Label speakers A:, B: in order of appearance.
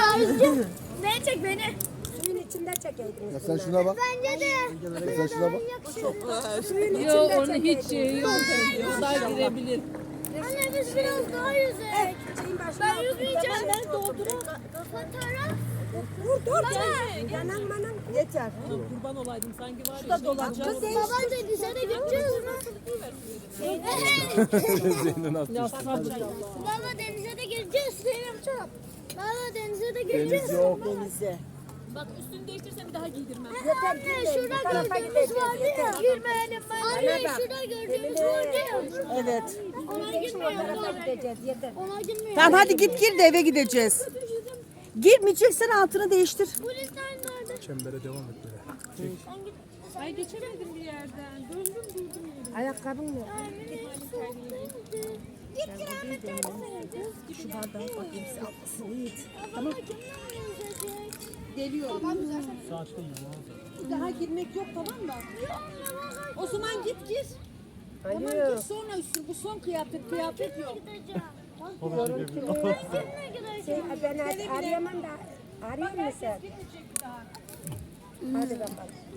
A: Ne çek beni?
B: Suyun içinde çekeydiniz.
C: Ya sen şuna bak.
A: Bence de.
C: Sen şuna bak.
B: Suyun içinde
D: Yok onun
B: çekeydiniz.
D: hiç şeyi yok. O da girebilir.
A: Anne biz biraz daha yüzek.
B: Şeyin başına
A: Ben
B: otur.
A: yüzmeyeceğim. Ben doldururum. Fotoğraf.
B: Dur. Yanan manan. Yeter.
D: Kurban olaydım sanki var ya.
B: Dolacak.
A: Baba denize de gideceğiz mi?
D: Ya sabır Allah.
A: Baba denize de gireceğiz. Baba denize de gireceğiz.
C: Yok.
D: Bak üstünü değiştirsen bir daha giydirmem.
A: Anne şurada gördüğümüz vardı ya. Girmeyelim ben. Anne şurada gördüğümüz vardı ya.
B: Evet.
A: Ona girmiyorum.
B: Gideceğiz yeter.
A: Ona girmiyorum.
E: Tamam hadi git gir de eve gideceğiz. Girmeyeceksen altını değiştir.
A: Polisler nerede?
C: Çembere devam et böyle.
D: Ay geçemedim bir yerden. Döndüm durdum.
B: Ayakkabın mı?
A: Git kiramet
B: Şu bardağı bakayım size almasın Yiğit.
A: Tamam.
E: Geliyorum. Bir daha girmek yok tamam mı? O zaman git gir. Tamam
B: Hayır.
E: git sonra üstün. Bu son kıyafet yok.
B: Ben arayamam da. Arayayım mı sen? Hadi bakalım.